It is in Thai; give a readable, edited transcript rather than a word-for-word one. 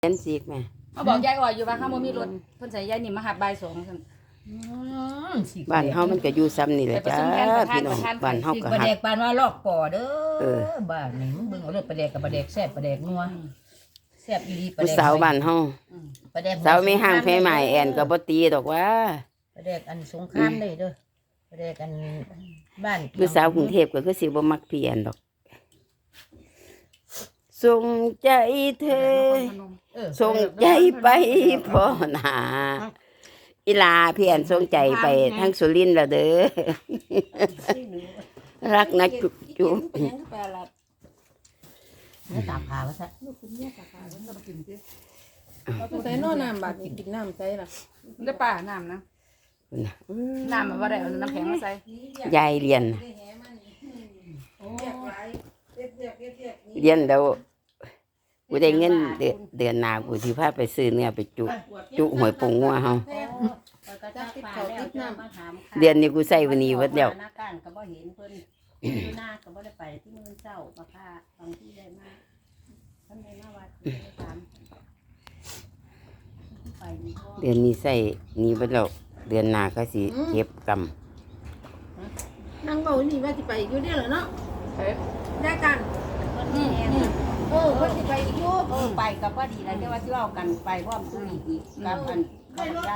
เรียนสิกแม่เขาบอกยายอ่อยอยู่ว่าเขาบ่มีรถเพิ่นใส่ยายนี่มาหาบ่าย2ซั่นบ้านเฮามันก็อยู่ซ้ำนี่แหละจ้าพี่น้องบ้านเฮาก็ปลาฮัแดกกปานว่าลอกป่อเด้อบ้านนี่มึงเบิ่งเอาเด้อปลาแดกกับปลาแดกแซ่บปลาแดกนัวแซ่บอีหลีปลาผู้แดกสาวบ้านเฮาปลาแดกสาวไม่ห่างแพ้ใหม่แอนก็บ่ตีดอกว่าปลาแดกอันสงครามเลยเด้อปลาแดกอันบ้านผู้สาวกรุงเทพก็คือสิบ่มักพี่แอนดอกส่งใจเธอส่งใจไปพ่อหนาอีลาพี่แอนส่งใจไปทั้งสุรินทร์แล้วเด้อรักนะจุ๊บจุ๊บเนื้อตาผาว่าซะใส่นอน้ำบาดกินน้ำใส่ล่ะได้ป่าน้ำนะน้ำมันบ่ได้เอาน้ำแข็งมาใส่ยายเรียนแล้วกูได้เงินเดือนหน้ากูสิพาไปซื้อเนื้อไปจุหวยปงงัวเฮาเดือนนี้กูใส่วันนี้วัดเดียวหน้าการก็บ่เห็นเพิ่นอยู่หน้าก็บ่ได้ไปที่มื้อเช้ามาค่าบางที่ได้มาเพิ่นได้มาวัดได้ถามไปนี่ก็เดือนนี้ใส่นี่วัดแล้วเดือนหน้าก็สิเก็บกนั่งเบานี่ว่าสิไปอยู่เด้อเหรอเนาะได้กันเพิ่นแน่นเพิ่นสิไปอยู่ไปก็พอดีแล้วแต่ว่าสิเว้ากันไปพร้อมซุอีกกับอัน